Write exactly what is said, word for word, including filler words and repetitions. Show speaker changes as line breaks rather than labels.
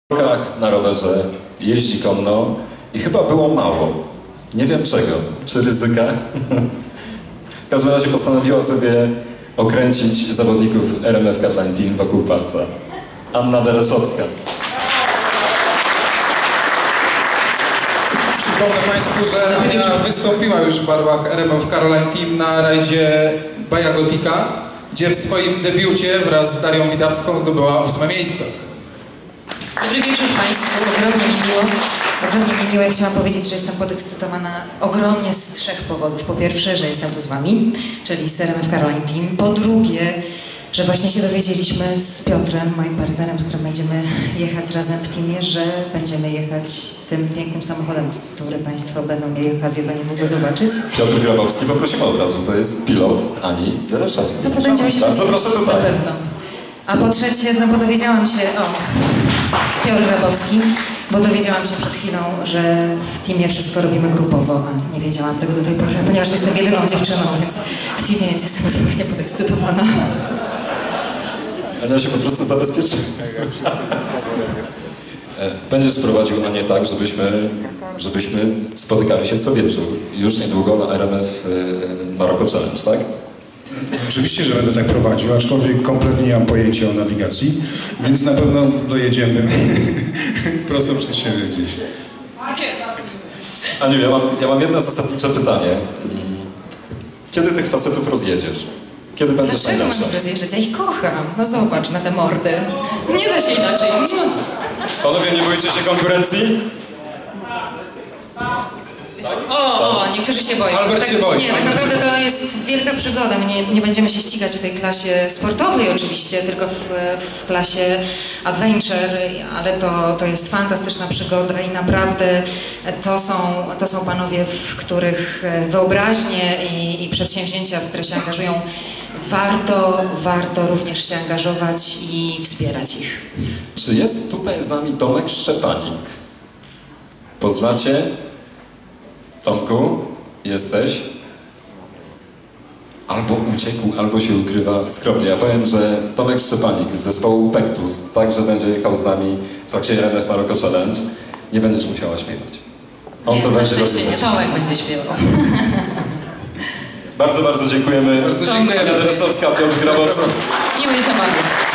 na rowerze, jeździ konno i chyba było mało. Nie wiem czego. Czy ryzyka? W każdym razie postanowiła sobie okręcić zawodników R M F Caroline Team wokół palca. Anna Dereszowska.
Przypomnę Państwu, że Ania wystąpiła już w barwach R M F Caroline Team na rajdzie Baja Gotika, gdzie w swoim debiucie wraz z Darią Widawską zdobyła ósme miejsce.
Dobry wieczór Państwu, ogromnie mi miło. Ogromnie mi miło, ja chciałam powiedzieć, że jestem podekscytowana ogromnie z trzech powodów. Po pierwsze, że jestem tu z Wami, czyli z R M F Caroline Team. Po drugie, że właśnie się dowiedzieliśmy z Piotrem, moim partnerem, z którym będziemy jechać razem w teamie, że będziemy jechać tym pięknym samochodem, który Państwo będą mieli okazję za niedługo zobaczyć.
Piotr Grabowski, poprosimy od razu, to jest pilot Ani Dereszowskiej.
Co będziemy się
Bardzo proszę tutaj.
Na pewno. A po trzecie, no bo dowiedziałam się, o, Piotr Grabowski, bo dowiedziałam się przed chwilą, że w teamie wszystko robimy grupowo, a nie wiedziałam tego do tej pory, ponieważ jestem jedyną dziewczyną, więc w teamie więc jestem zupełnie podekscytowana.
Ania się po prostu zabezpieczy. Będziesz prowadził Anię tak, żebyśmy, żebyśmy spotykali się co wieczór. Już niedługo na R M F Maroko Challenge, tak?
Oczywiście, że będę tak prowadził, aczkolwiek kompletnie nie mam pojęcia o nawigacji, więc na pewno dojedziemy prosto przed siebie gdzieś.
Gdzieś?
Aniu, ja mam, ja mam jedno zasadnicze pytanie. Kiedy tych facetów rozjedziesz? Kiedy będziesz
Dlaczego
najlepsza?
mam rozjeżdżać? Ja ich kocham. No zobacz na te mordy. Nie da się inaczej.
Panowie, nie boicie się konkurencji?
O, o, niektórzy się boją.
Albert
tak,
się boi.
Nie, tak naprawdę to jest wielka przygoda. My nie, nie będziemy się ścigać w tej klasie sportowej oczywiście, tylko w, w klasie adventure, ale to, to jest fantastyczna przygoda i naprawdę to są, to są panowie, w których wyobraźnie i, i przedsięwzięcia, w które się angażują, warto, warto również się angażować i wspierać ich.
Czy jest tutaj z nami Tomek Szczepanik? Poznacie? Tomku, jesteś? Albo uciekł, albo się ukrywa skromnie. Ja powiem, że Tomek Szczepanik z zespołu Pektus także będzie jechał z nami w trakcie R M F Maroko Challenge. Nie będziesz musiała śpiewać. On
nie,
to
na
będzie
szczęście
robił.
nie, Tomek będzie śpiewał.
Bardzo, bardzo dziękujemy.
Bardzo dziękujemy.
Ania Dereszowska, Piotr Grabowski.
Miłej zabawy.